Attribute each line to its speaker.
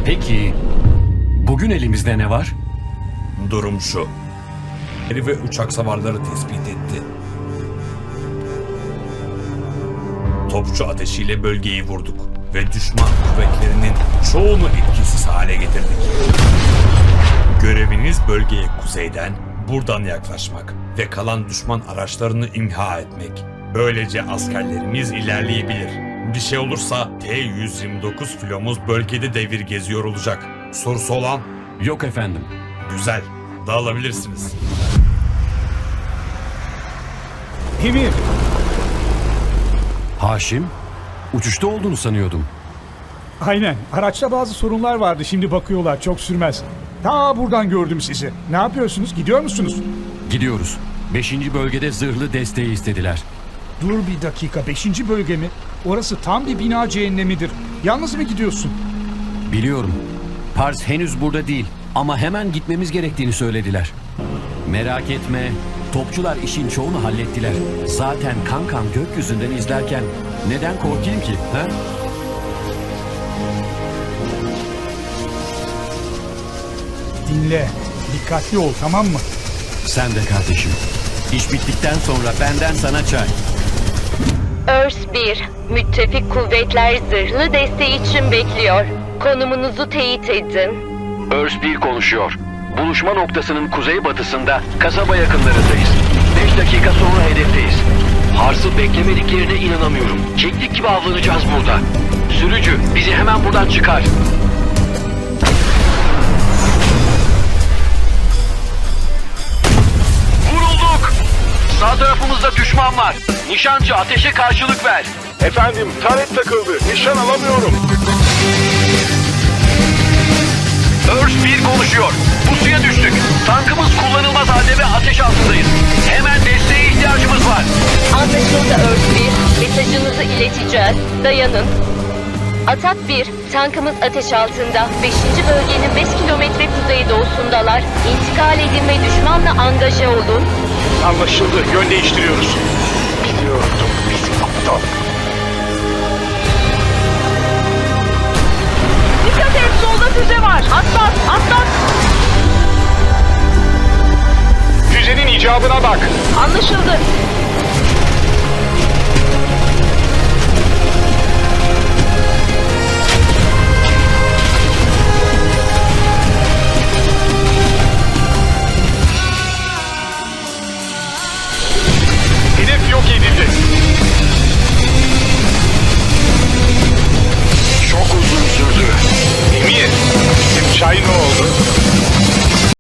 Speaker 1: Peki, bugün elimizde ne var?
Speaker 2: Durum şu. Eri ve uçak savarları tespit etti. Topçu ateşiyle bölgeyi vurduk ve düşman kuvvetlerinin çoğunu etkisiz hale getirdik. Göreviniz bölgeye kuzeyden, buradan yaklaşmak ve kalan düşman araçlarını imha etmek. Böylece askerlerimiz ilerleyebilir. Bir şey olursa T-129 filomuz bölgede devir geziyor olacak. Sorusu olan?
Speaker 1: Yok efendim.
Speaker 2: Güzel, dağılabilirsiniz.
Speaker 3: Emir,
Speaker 1: Haşim, uçuşta olduğunu sanıyordum.
Speaker 3: aynen. Araçta bazı sorunlar vardı. Şimdi bakıyorlar. Çok sürmez. Ta buradan gördüm sizi. Ne yapıyorsunuz? Gidiyor musunuz?
Speaker 1: Gidiyoruz. 5. bölgede zırhlı desteği istediler.
Speaker 3: Dur bir dakika. 5. bölge mi? Orası tam bir bina cehennemidir. Yalnız mı gidiyorsun?
Speaker 1: Biliyorum. Pars henüz burada değil ama hemen gitmemiz gerektiğini söylediler. Merak etme, topçular işin çoğunu hallettiler. Zaten kankam gökyüzünden izlerken neden korkayım ki? Ha?
Speaker 3: Dinle. Dikkatli ol, tamam mı?
Speaker 1: Sen de kardeşim. İş bittikten sonra benden sana çay.
Speaker 4: Örs 1, müttefik kuvvetler zırhlı desteği için bekliyor. Konumunuzu teyit edin.
Speaker 5: Örs 1 konuşuyor. Buluşma noktasının kuzeybatısında kasaba yakınlarındayız. 5 dakika sonra hedefteyiz. Hars'ı beklemediklerine inanamıyorum. Keklik gibi avlanacağız burada. Sürücü bizi hemen buradan çıkar. Vurulduk! Sağ tarafımızda düşman var. Nişancı ateşe karşılık ver.
Speaker 6: Efendim, taret takıldı. Nişan alamıyorum.
Speaker 5: Örs 1 konuşuyor. Pusuya düştük. Tankımız kullanılmaz halde ve ateş altındayız. Hemen desteğe ihtiyacımız var.
Speaker 4: Anlaşıldı Örs 1, mesajınızı ileteceğiz. Dayanın. Atak 1, tankımız ateş altında. 5. bölgenin 5 kilometre kuzeydoğusundalar. İntikal edin ve düşmanla angaje olun.
Speaker 6: Anlaşıldı. Yön değiştiriyoruz. Biliyordum bizim aptal.
Speaker 4: Dikkat et, solda füze var. Atlat, atlat.
Speaker 6: Füzenin icabına bak.
Speaker 4: Anlaşıldı.